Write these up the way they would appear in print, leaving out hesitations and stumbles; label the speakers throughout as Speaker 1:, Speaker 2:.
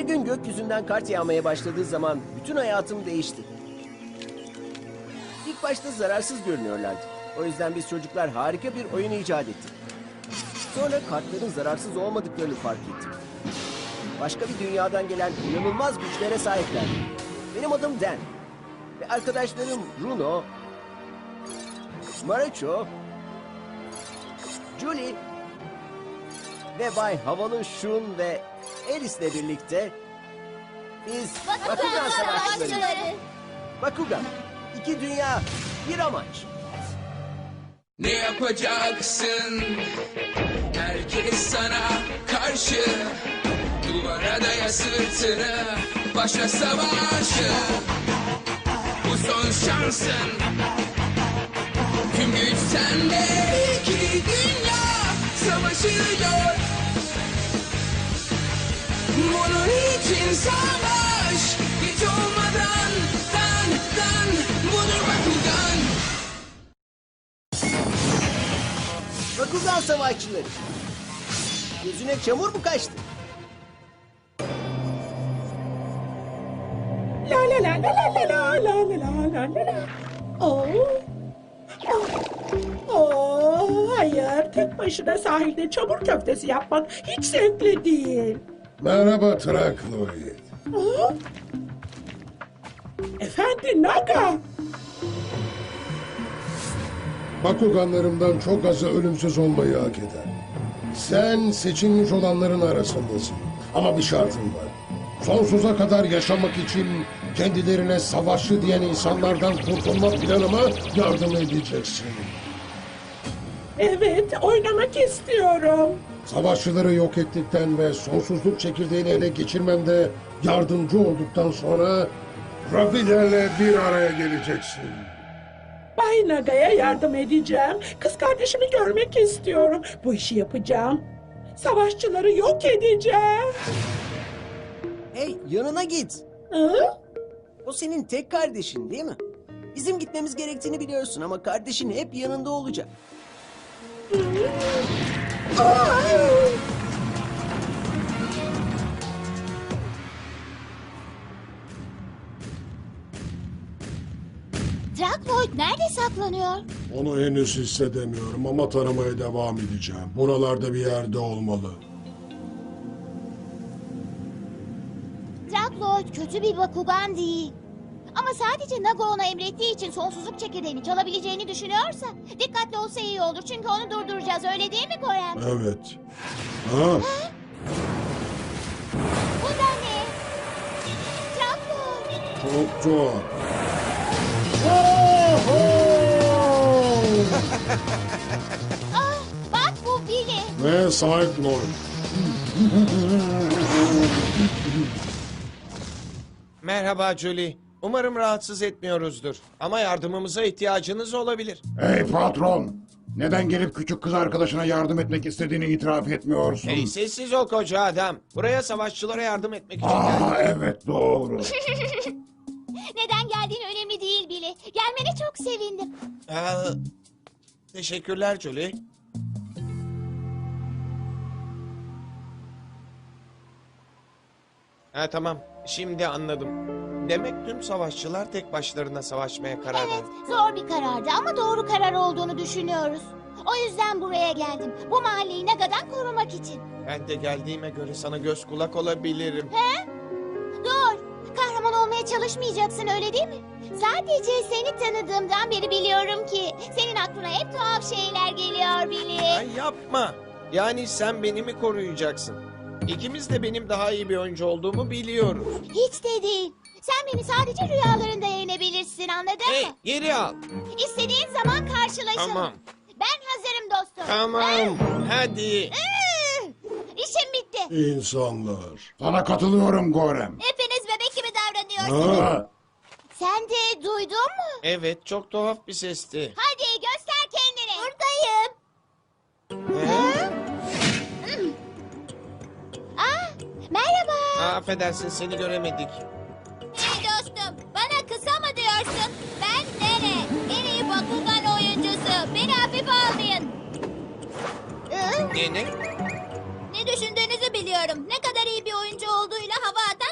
Speaker 1: gün gökyüzünden kart yağmaya başladığı zaman bütün hayatım değişti. İlk başta zararsız görünüyorlardı. O yüzden biz çocuklar harika bir oyun icat ettik. Sonra kartların zararsız olmadıklarını fark ettim. Başka bir dünyadan gelen inanılmaz güçlere sahipler. Benim adım Dan. Ve arkadaşlarım Bruno, Marucho, Julie ve Bay Havalı Şun ve Alice'le birlikte biz Bakugan Savaşçıları. Bakugan, iki dünya, bir amaç.
Speaker 2: Ne yapacaksın? Herkes sana karşı. Duvara daya sırtını, başla savaşı. Bu son şansın. Tüm güç sende. İki dünya savaşıyor. Bunun için savaş. Hiç olmadan dan budur Bakugan.
Speaker 1: Bakugan Savaşçıları. Gözüne çamur mu kaçtı?
Speaker 3: La la la la la la la la la la la. Oh. Hayır, tek başına sahilde çamur köftesi yapmak hiç zevkli değil.
Speaker 4: Merhaba Trakloid.
Speaker 3: Aa, Efendi Naga.
Speaker 4: Bakuganlarımdan çok azı ölümsüz olmayı hak eder. Sen seçilmiş olanların arasındasın. Ama bir şartım var. Sonsuza kadar yaşamak için kendilerine savaşçı diyen insanlardan kurtulma planıma yardım edeceksin.
Speaker 3: Evet, oynamak istiyorum.
Speaker 4: Savaşçıları yok ettikten ve sonsuzluk çekirdeğini ele geçirmemde yardımcı olduktan sonra Rafilerle bir araya geleceksin.
Speaker 3: Bay Naga'ya yardım edeceğim. Kız kardeşimi görmek istiyorum. Bu işi yapacağım. Savaşçıları yok edeceğim.
Speaker 1: Hey, yanına git.
Speaker 3: Hı?
Speaker 1: O senin tek kardeşin değil mi? Bizim gitmemiz gerektiğini biliyorsun ama kardeşin hep yanında olacak.
Speaker 5: Drakloid nerede saklanıyor?
Speaker 4: Onu henüz hissedemiyorum ama taramaya devam edeceğim. Buralarda bir yerde olmalı.
Speaker 5: Drakloid kötü bir Bakugan değil. Ama sadece Naga ona emrettiği için sonsuzluk çekirdeğini çalabileceğini düşünüyorsa dikkatli olsa iyi olur. Çünkü onu durduracağız, öyle değil mi Gorem?
Speaker 4: Evet. Ha?
Speaker 5: Bu da ne? Drakloid.
Speaker 4: Çok tuhaf.
Speaker 5: Ah, bak bu Billy.
Speaker 4: Ve Cyclone.
Speaker 6: Merhaba Julie. Umarım rahatsız etmiyoruzdur. Ama yardımımıza ihtiyacınız olabilir.
Speaker 7: Hey patron! Neden gelip küçük kız arkadaşına yardım etmek istediğini itiraf etmiyorsun?
Speaker 6: Hey sessiz ol koca adam. Buraya savaşçılara yardım etmek için geldim.
Speaker 7: Evet doğru.
Speaker 5: Neden geldiğin önemli değil Billy. Gelmene çok sevindim.
Speaker 6: Teşekkürler Julie. Ha tamam. Şimdi anladım. Demek tüm savaşçılar tek başlarına savaşmaya karar
Speaker 5: Evet,
Speaker 6: verdi.
Speaker 5: zor bir karardı ama doğru karar olduğunu düşünüyoruz. O yüzden buraya geldim. Bu mahalleyi Naga'dan korumak için.
Speaker 6: Ben de geldiğime göre sana göz kulak olabilirim.
Speaker 5: Dur, kahraman olmaya çalışmayacaksın öyle değil mi? Sadece seni tanıdığımdan beri biliyorum ki senin aklına hep tuhaf şeyler geliyor Billy.
Speaker 6: Ay yapma. Yani sen beni mi koruyacaksın? İkimiz de benim daha iyi bir oyuncu olduğumu biliyoruz.
Speaker 5: Hiç de değil. Sen beni sadece rüyalarında yenebilirsin, anladın
Speaker 6: Hey
Speaker 5: mı?
Speaker 6: geri al.
Speaker 5: İstediğin zaman karşılaşalım.
Speaker 6: Tamam.
Speaker 5: Ben hazırım dostum.
Speaker 6: Tamam. Hadi.
Speaker 5: İşim bitti.
Speaker 4: İnsanlar.
Speaker 7: Sana katılıyorum Gorem.
Speaker 5: Hepiniz bebek gibi davranıyorsunuz.
Speaker 4: Ha?
Speaker 5: Sen de duydun mu?
Speaker 6: Evet çok tuhaf bir sesti.
Speaker 5: Hadi göster kendini. Buradayım. Aa, merhaba.
Speaker 6: Affedersin seni göremedik.
Speaker 5: Hey dostum, bana kısa mı diyorsun? Ben Nene, en iyi Bakugan oyuncusu. Beni hafife almayın.
Speaker 6: Ne?
Speaker 5: Ne düşündüğünüzü biliyorum. Ne kadar iyi bir oyuncu olduğuyla hava atan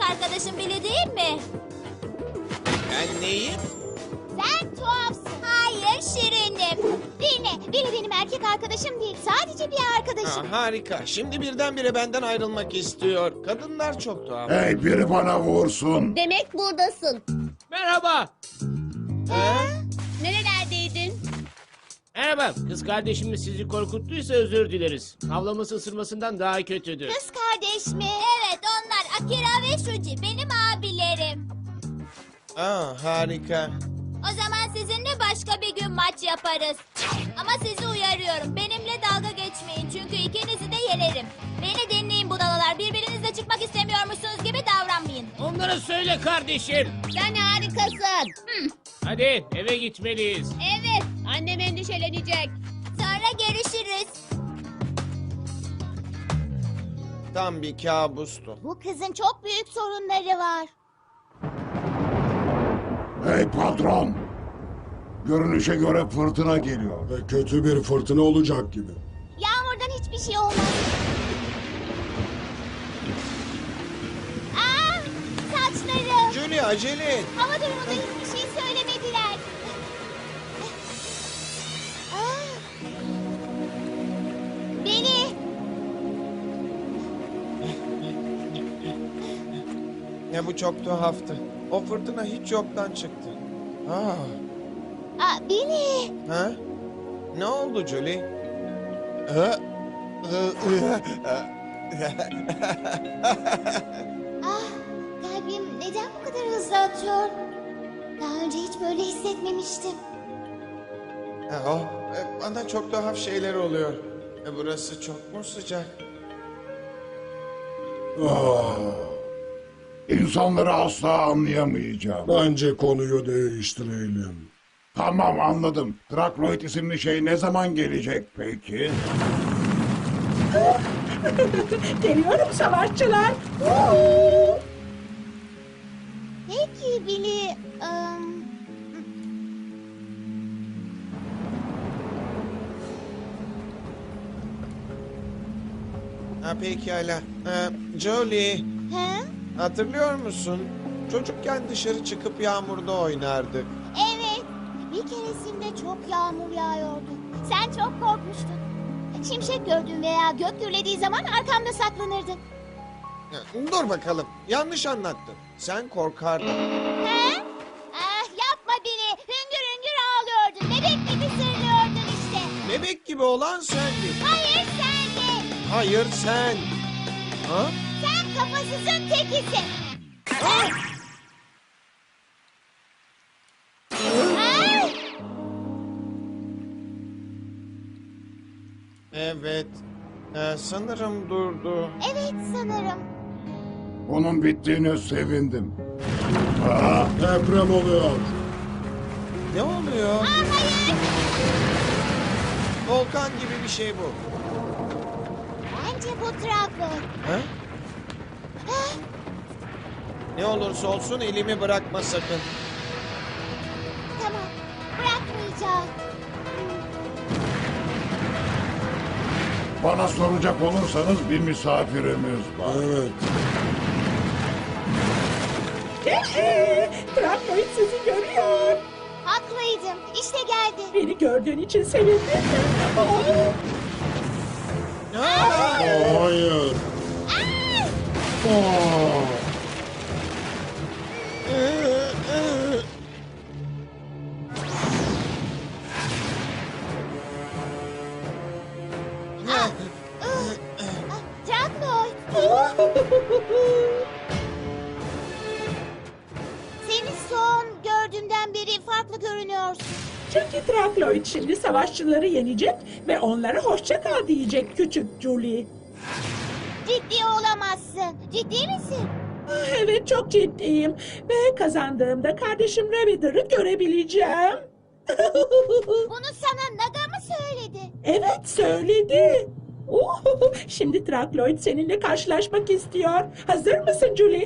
Speaker 5: arkadaşın Billy değil mi?
Speaker 6: Ben neyim?
Speaker 5: Sen tuhafsın. Hayır Şirinim. Dinle, Billy benim erkek arkadaşım değil. Sadece bir arkadaşım.
Speaker 6: Harika. Şimdi birdenbire benden ayrılmak istiyor. Kadınlar çok tuhaf.
Speaker 7: Hey, biri bana vursun.
Speaker 5: Demek buradasın.
Speaker 8: Merhaba.
Speaker 5: Nerelerdeydin?
Speaker 8: Merhaba. Kız kardeşimiz sizi korkuttuysa özür dileriz. Havlaması ısırmasından daha kötüdür.
Speaker 5: Kız kardeş mi? Evet onlar Akira ve Shuji benim abilerim.
Speaker 6: Harika.
Speaker 5: O zaman sizinle başka bir gün maç yaparız. Ama sizi uyarıyorum. Benimle dalga geçmeyin. Çünkü ikinizi de yenerim. Beni dinleyin budalalar. Birbirinizle çıkmak istemiyormuşsunuz gibi davranmayın.
Speaker 8: Onlara söyle kardeşim.
Speaker 5: Sen harikasın.
Speaker 8: Hadi eve gitmeliyiz.
Speaker 5: Evet. Annem endişelenecek. Sonra görüşürüz.
Speaker 6: Tam bir kabustu.
Speaker 5: Bu kızın çok büyük sorunları var.
Speaker 7: Hey patron. Görünüşe göre fırtına geliyor.
Speaker 4: Ve kötü bir fırtına olacak gibi.
Speaker 5: Yağmurdan hiçbir şey olmaz. Saçlarım.
Speaker 6: Julie acele et.
Speaker 5: Hava durumunda hiçbir şey söylemediler. Beni.
Speaker 6: Ya bu çok tuhaftı. O fırtına hiç yoktan çıktı.
Speaker 5: Beni.
Speaker 6: Ha? Ne oldu Julie?
Speaker 5: Kalbim neden bu kadar hızlı atıyor? Daha önce hiç böyle hissetmemiştim.
Speaker 6: Bana çok tuhaf şeyler oluyor. Burası çok mu sıcak?
Speaker 7: İnsanları asla anlayamayacağım.
Speaker 4: Bence konuyu değiştirelim.
Speaker 7: Tamam, anladım. Drakloid isimli şey ne zaman gelecek peki?
Speaker 3: Geliyorum savaşçılar.
Speaker 5: Peki Billy.
Speaker 6: Pekala. Julie,
Speaker 5: He?
Speaker 6: hatırlıyor musun? Çocukken dışarı çıkıp yağmurda oynardık.
Speaker 5: Evet. Bir keresinde çok yağmur yağıyordu. Sen çok korkmuştun. Şimşek gördüğün veya gök gürlediği zaman arkamda saklanırdın.
Speaker 6: Dur bakalım. Yanlış anlattın. Sen korkardın.
Speaker 5: He? Yapma Billy. Hüngür hüngür ağlıyordun. Bebek gibi sırlıyordun işte.
Speaker 6: Bebek gibi olan sendin.
Speaker 5: Hayır sen de.
Speaker 6: Hayır sen. Ha?
Speaker 5: Sen kafasızın tekisin. Ay!
Speaker 6: Evet. Sanırım durdu.
Speaker 5: Evet sanırım.
Speaker 7: Bunun bittiğine sevindim.
Speaker 4: Deprem oluyor.
Speaker 6: Ne oluyor?
Speaker 5: Hayır.
Speaker 6: Volkan gibi bir şey bu.
Speaker 5: Bence bu traktör.
Speaker 6: Ha? Ne olursa olsun elimi bırakma sakın.
Speaker 5: Tamam. Bırakmayacağım.
Speaker 7: Bana soracak olursanız bir misafirimiz var.
Speaker 4: Evet.
Speaker 3: Trakloid sizi görüyor.
Speaker 5: Haklıydım. İşte geldi.
Speaker 3: Beni gördüğün için sevindim. Oh.
Speaker 4: Hayır.
Speaker 5: Traktör. Seni son gördüğümden beri farklı görünüyorsun.
Speaker 3: Çünkü Trakloid şimdi savaşçıları yenecek ve onlara hoşça kal diyecek küçük Julie.
Speaker 5: Ciddi olamazsın. Ciddi misin?
Speaker 3: Evet, çok ciddiyim. Ve kazandığımda kardeşim Ravider'ı görebileceğim.
Speaker 5: Bunu sana Naga mı söyledi?
Speaker 3: Evet, söyledi. Şimdi Trakloid seninle karşılaşmak istiyor. Hazır mısın Julie?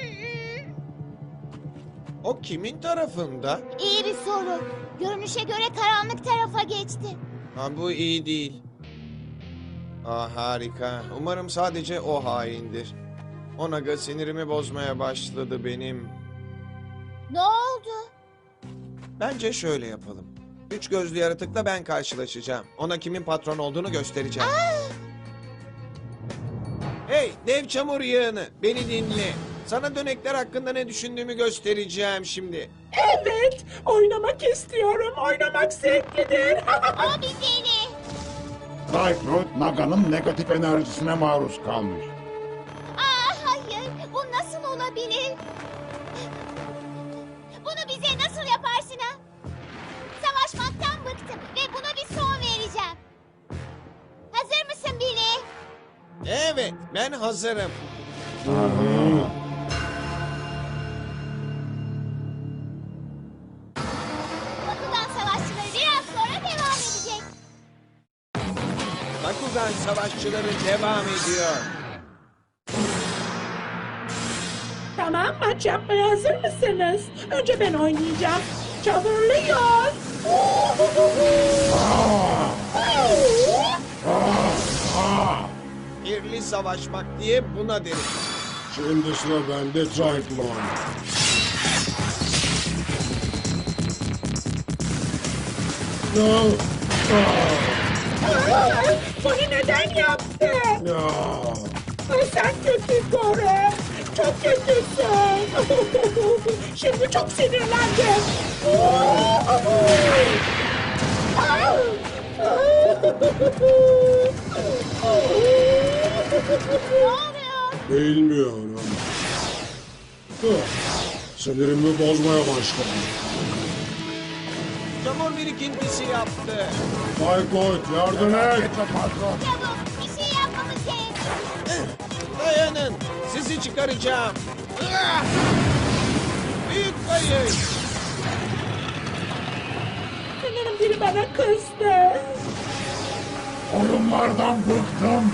Speaker 6: O kimin tarafında?
Speaker 5: İyi bir soru. Görünüşe göre karanlık tarafa geçti.
Speaker 6: Bu iyi değil. Harika. Umarım sadece o haindir. Onaga sinirimi bozmaya başladı benim.
Speaker 5: Ne oldu?
Speaker 6: Bence şöyle yapalım. Üç gözlü yaratıkla ben karşılaşacağım. Ona kimin patron olduğunu göstereceğim. Hey dev çamur yığını, beni dinle. Sana dönekler hakkında ne düşündüğümü göstereceğim şimdi.
Speaker 3: Evet, oynamak istiyorum. Oynamak zevklidir.
Speaker 5: O bir deli.
Speaker 7: Cycloid, Naga'nın negatif enerjisine maruz kalmış.
Speaker 5: Aa, hayır, bu nasıl olabilir? Bunu bize nasıl yaparsın ha? Savaşmaktan bıktım ve buna bir son vereceğim. Hazır mısın Billy?
Speaker 6: Evet, ben hazırım.
Speaker 5: Bakugan savaşçıları biraz sonra devam edecek.
Speaker 6: Bakugan savaşçıları devam ediyor.
Speaker 3: Tamam, maç yapmaya hazır mısınız? Önce ben oynayacağım. Çabırlıyız.
Speaker 6: Kirli savaşmak diye buna deriz.
Speaker 4: Şimdi sıra bende Cyclone. No.
Speaker 3: Bunu neden yaptın?
Speaker 4: Ya.
Speaker 3: Ay, sen kötü Kore. Çok kötüsün. Şimdi çok sinirlendim.
Speaker 5: Ne oluyor?
Speaker 4: Bilmiyorum. Sinirimi bozmaya başladı.
Speaker 6: Çamur birikintisi yaptı.
Speaker 4: Cycloid yardım et.
Speaker 7: Gitme patron.
Speaker 5: Çabuk, bir şey yapmamız gerek.
Speaker 6: Dayanın, sizi çıkaracağım. Ah! Büyük kayış.
Speaker 3: Sanırım biri bana kızdı.
Speaker 7: Oyunlardan bıktım.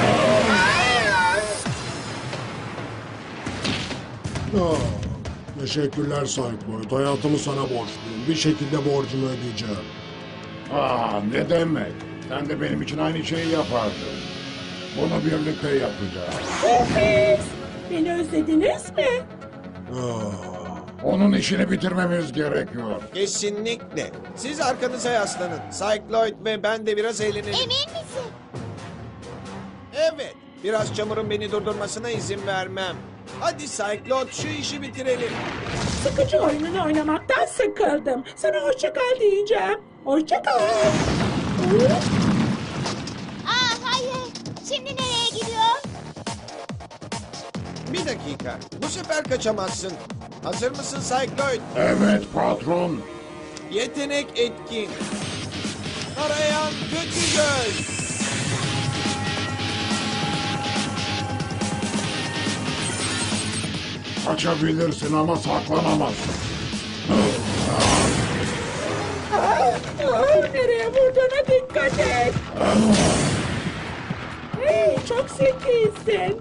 Speaker 4: Ah, teşekkürler Cycloid. Hayatımı sana borçluyum. Bir şekilde borcumu ödeyeceğim.
Speaker 7: Ne demek? Sen de benim için aynı şeyi yapardın. Bunu birlikte yapacağız.
Speaker 3: Sürpriz. Beni özlediniz mi?
Speaker 4: Ah.
Speaker 7: Onun işini bitirmemiz gerekiyor.
Speaker 6: Kesinlikle. Siz arkanıza yaslanın. Cycloid ve ben de biraz eğlenelim.
Speaker 5: Emin misin?
Speaker 6: Evet, biraz çamurun beni durdurmasına izin vermem. Hadi Cycloid şu işi bitirelim.
Speaker 3: Sıkıcı oyununu oynamaktan sıkıldım. Sana hoşça kal diyeceğim. Hoşça kal.
Speaker 5: Aa, hayır. Şimdi nereye gidiyor?
Speaker 6: Bir dakika, bu sefer kaçamazsın. Hazır mısın Cycloid?
Speaker 7: Evet patron.
Speaker 6: Yetenek etkin. Arayan kötü göz.
Speaker 7: Kaçabilirsin ama saklanamazsın.
Speaker 3: Nereye vurduğuna dikkat et. Hey, çok zekisin.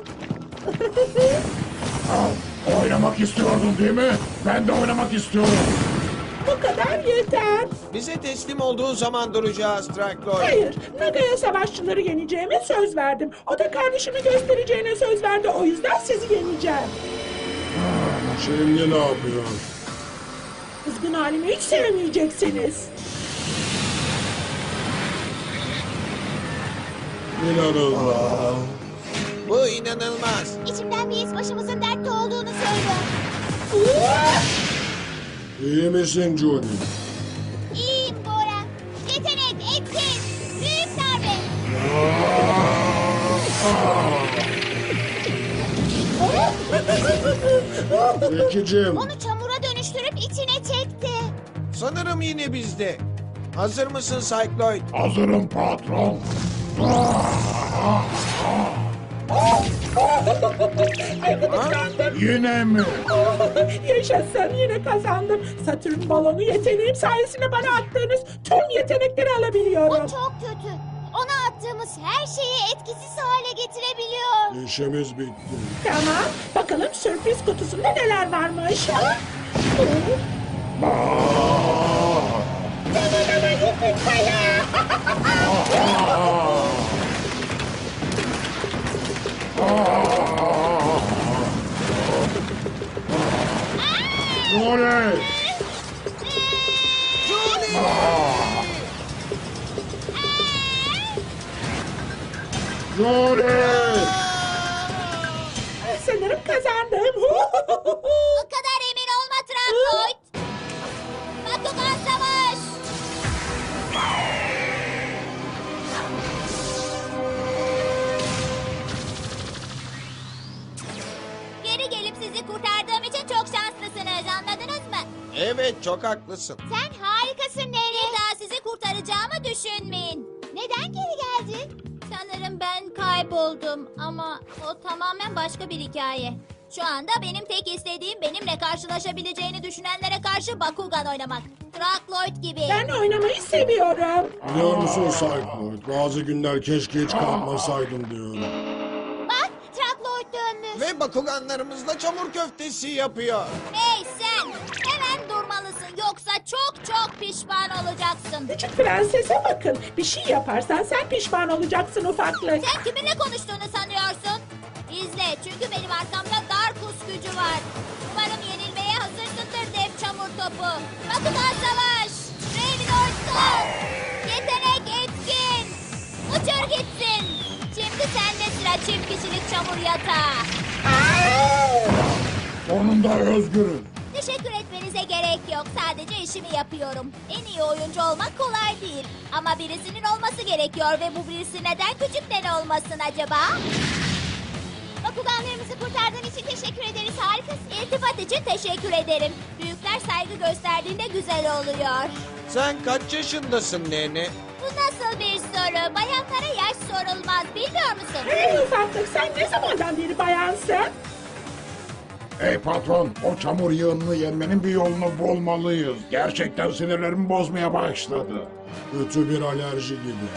Speaker 7: Oynamak istiyordun değil mi? Ben de oynamak istiyorum.
Speaker 3: Bu kadar yeter.
Speaker 6: Bize teslim olduğu zaman duracağız Cycloid.
Speaker 3: Hayır, Naga'ya savaşçıları yeneceğime söz verdim. O da kardeşimi göstereceğine söz verdi. O yüzden sizi yeneceğim.
Speaker 4: Şimdi ne yapıyor?
Speaker 3: Kızgın halimi hiç sevmeyeceksiniz.
Speaker 4: İnanılmaz.
Speaker 6: Bu inanılmaz.
Speaker 5: İçimden bir his başımızın dertte olduğunu söylüyor.
Speaker 4: İyi misin Judy?
Speaker 5: İyiyim Bora. Yetenek, etkin, büyük darbe.
Speaker 4: Zekicim.
Speaker 5: Onu çamura dönüştürüp içine çekti.
Speaker 6: Sanırım yine bizde. Hazır mısın Cycloid?
Speaker 7: Hazırım patron.
Speaker 3: Ay, gıdıklandım.
Speaker 7: Yine mi?
Speaker 3: Yaşasın, yine kazandım. Satürn balonu yeteneğim sayesinde bana attığınız tüm yetenekleri
Speaker 5: O
Speaker 3: alabiliyorum.
Speaker 5: çok kötü. Ona attığımız her şeyi etkisiz hale getirebiliyor.
Speaker 4: İşimiz bitti.
Speaker 3: Tamam, bakalım sürpriz kutusunda neler varmış. Tanımama yumurtaya.
Speaker 7: Julie! Julie!
Speaker 3: Sanırım kazandım.
Speaker 5: O kadar emin olma Trakloid. Bakugan savaş. Geri gelip sizi kurtardığım için çok şanslısınız, anladınız mı?
Speaker 6: Evet, çok haklısın.
Speaker 5: Sen harikasın Neri. Bir daha sizi kurtaracağımı düşünmeyin. Neden geri geldin? Sanırım ben kayboldum ama o tamamen başka bir hikaye. Şu anda benim tek istediğim benimle karşılaşabileceğini düşünenlere karşı Bakugan oynamak. Trakloid gibi.
Speaker 3: Ben oynamayı seviyorum.
Speaker 4: Biliyor musun Cycloid? Bazı günler keşke hiç kalkmasaydım diyorum.
Speaker 5: Bak Trakloid dönmüş.
Speaker 6: Ve Bakuganlarımızla çamur köftesi yapıyor.
Speaker 5: Hey sen! Hemen durmalısın yoksa çok çok pişman olacaksın.
Speaker 3: Küçük prensese bakın. Bir şey yaparsan sen pişman olacaksın ufaklık.
Speaker 5: Sen kiminle konuştuğunu sanıyorsun? İzle çünkü benim arkamda Darkus gücü var. Umarım yenilmeye hazırsındır dev çamur topu. Bakugan savaş! Revinoid kalk! Yetenek etkin! Uçur gitsin! Şimdi sende sıra çift kişilik çamur yatağı.
Speaker 7: Sonunda özgürüz.
Speaker 5: Teşekkür etmenize gerek yok. Sadece işimi yapıyorum. En iyi oyuncu olmak kolay değil. Ama birisinin olması gerekiyor ve bu birisi neden küçükten olmasın acaba? Bakuganlarımızı kurtardığın için teşekkür ederiz. Harikasın. İltifat için teşekkür ederim. Büyükler saygı gösterdiğinde güzel oluyor.
Speaker 6: Sen kaç yaşındasın nene?
Speaker 5: Bu nasıl bir soru? Bayanlara yaş sorulmaz. Bilmiyor musun?
Speaker 3: Hey ufaklık sen ne zamandan beri bayansın?
Speaker 7: Ey patron, o çamur yığınını yenmenin bir yolunu bulmalıyız. Gerçekten sinirlerimi bozmaya başladı.
Speaker 4: Kötü bir alerji gibi.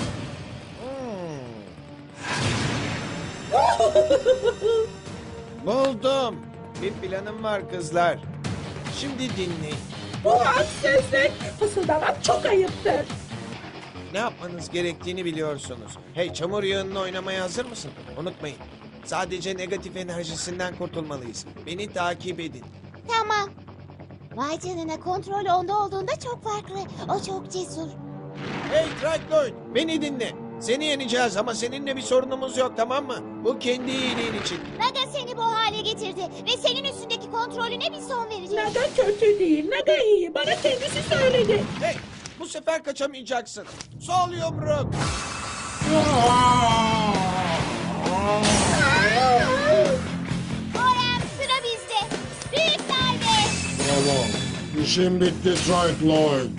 Speaker 6: Buldum. Bir planım var kızlar. Şimdi dinleyin.
Speaker 3: Bu haksızlık. Fısıldamak çok ayıptır.
Speaker 6: Ne yapmanız gerektiğini biliyorsunuz. Hey, çamur yığınını oynamaya hazır mısın? Unutmayın. Sadece negatif enerjisinden kurtulmalıyız. Beni takip edin.
Speaker 5: Tamam. Vay canına, kontrol onda olduğunda çok farklı. O çok cesur.
Speaker 6: Hey Trakloid, beni dinle. Seni yeneceğiz ama seninle bir sorunumuz yok, tamam mı? Bu kendi iyiliğin için.
Speaker 5: Naga seni bu hale getirdi ve senin üstündeki kontrolüne bir son verecek.
Speaker 3: Naga kötü değil. Naga iyi. Bana kendisi söyledi.
Speaker 6: Hey, bu sefer kaçamayacaksın. Sol yumruk.
Speaker 5: Orem, sıra bizde. Büyük darbe.
Speaker 4: Bravo. İşim bitti Cycloid.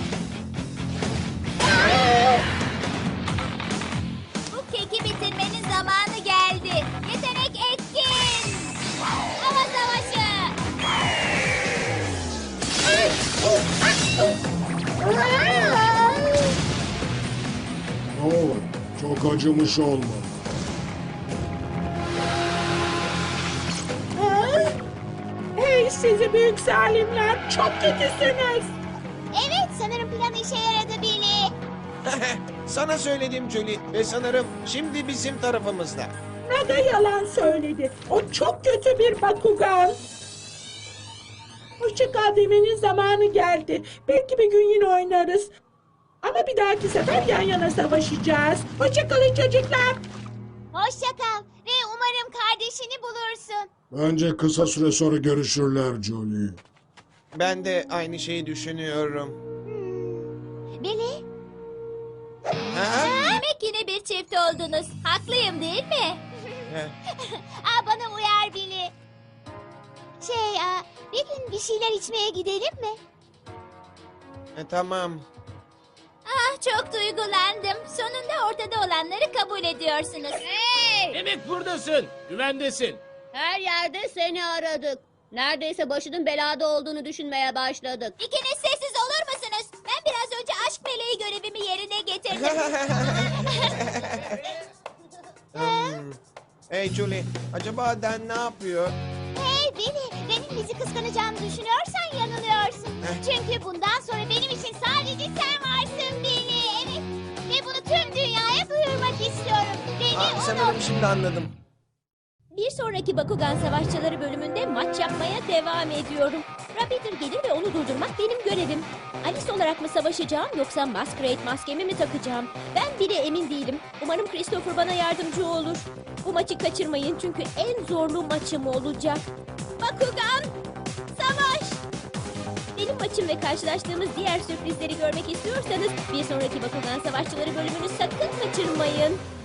Speaker 5: Bu keki bitirmenin zamanı geldi. Yetenek etkin. Hava savaşı.
Speaker 4: Oo, çok acımış olmalı.
Speaker 3: Ha? Hey sizi büyük zalimler. Çok kötüsünüz.
Speaker 5: Evet, sanırım plan işe yaradı Billy.
Speaker 6: Sana söyledim Julie ve sanırım şimdi bizim tarafımızda.
Speaker 3: Naga yalan söyledi. O çok kötü bir Bakugan. Hoşça kal demenin zamanı geldi. Belki bir gün yine oynarız. Ama bir dahaki sefer yan yana savaşacağız. Hoşça kalın çocuklar.
Speaker 5: Hoşça kal ve umarım kardeşini bulursun.
Speaker 4: Bence kısa süre sonra görüşürler Johnny.
Speaker 6: Ben de aynı şeyi düşünüyorum.
Speaker 5: Billy,
Speaker 6: Ha?
Speaker 5: demek yine bir çift oldunuz. Haklıyım değil mi? Bana uyar Billy. Bir gün bir şeyler içmeye gidelim mi?
Speaker 6: Tamam.
Speaker 5: Çok duygulandım. Sonunda ortada olanları kabul ediyorsunuz. Hey!
Speaker 8: Demek buradasın. Güvendesin.
Speaker 9: Her yerde seni aradık. Neredeyse başının belada olduğunu düşünmeye başladık.
Speaker 5: İkiniz sessiz olur musunuz? Ben biraz önce aşk meleği görevimi yerine getirdim.
Speaker 6: Hey Julie, acaba Dan ne yapıyor?
Speaker 5: Hey Billy, benim bizi kıskanacağını düşünüyorsan yanılıyorsun. Çünkü bundan sonra benim için sadece sen varsın Billy. Evet. Ve bunu tüm dünyaya duyurmak istiyorum. Beni
Speaker 6: Sanırım şimdi anladım.
Speaker 10: Bir sonraki Bakugan Savaşçıları bölümünde maç yapmaya devam ediyorum. Rapidur gelir ve onu durdurmak benim görevim. Alice olarak mı savaşacağım yoksa Masquerade maskemi mi takacağım? Ben bile emin değilim. Umarım Christopher bana yardımcı olur. Bu maçı kaçırmayın çünkü en zorlu maçım olacak. Bakugan, savaş! Benim maçım ve karşılaştığımız diğer sürprizleri görmek istiyorsanız bir sonraki Bakugan Savaşçıları bölümünü sakın kaçırmayın.